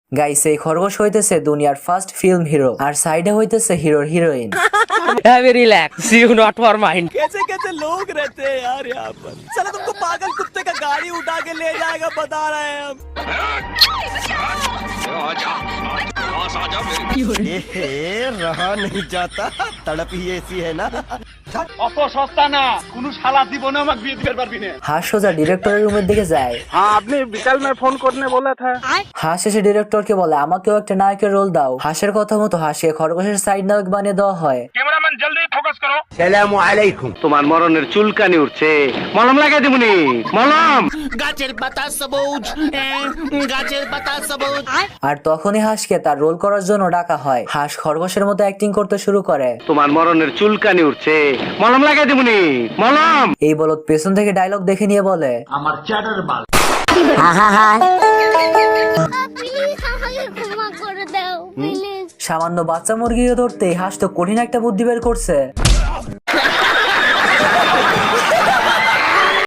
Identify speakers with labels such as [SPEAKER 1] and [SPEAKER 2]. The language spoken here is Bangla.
[SPEAKER 1] গাইস এই খরগোশ হইতেছে দুনিয়ার ফার্স্ট ফিল্ম হিরো আর সাইডে হইতেছে হিরোর heroine.
[SPEAKER 2] Relax you not for mind.
[SPEAKER 3] कैसे कैसे लोग रहते हैं यार यहाँ पर। साला तुमको पागल कुत्ते का गाड़ी उठा के ले जाएगा बता रहे हैं हम। रहा नहीं जाता तड़प ही ऐसी है ना।
[SPEAKER 4] অত সস্তা না কোন শালা জীবনে আমাকে বিয়ে দিতে পারবি না।
[SPEAKER 1] হাঁস সোজা ডিরেক্টরের রুমের দিকে যায়।
[SPEAKER 4] हाँ आपने विकल में फोन करने बोला था।
[SPEAKER 1] হাঁস এসে ডিরেক্টরকে বলে আমাকেও একটা নায়কের রোল দাও। হাঁসের কথা মতো হাঁসকে খরগোশের সাইড নায়ক বানিয়ে দেওয়া হয়।
[SPEAKER 4] कैमरामैन जल्दी फोकस करो।
[SPEAKER 5] সালামু আলাইকুম। তোমার মরণের চুলকানি উঠছে, মলম লাগাই দিবনি। মলম।
[SPEAKER 3] গাছের পাতা সবুজ গাছের পাতা সবুজ।
[SPEAKER 1] আর তখনই হাঁসকে তার রোল করার জন্য ডাকা হয়। হাঁস খরগোশের মতো অ্যাক্টিং করতে শুরু করে।
[SPEAKER 5] তোমার মরণের চুলকানি উঠছে, মলম লাগাই দিবনি। মলম।
[SPEAKER 1] এই বলদ পেছন থেকে ডায়লগ দেখে নিয়ে বলে
[SPEAKER 6] প্লিজ আমাকে ক্ষমা করে দাও প্লিজ।
[SPEAKER 1] সামান্য বাচ্চা মুরগিকে ধরতে হাঁস তো কঠিন একটা বুদ্ধি বের করছে।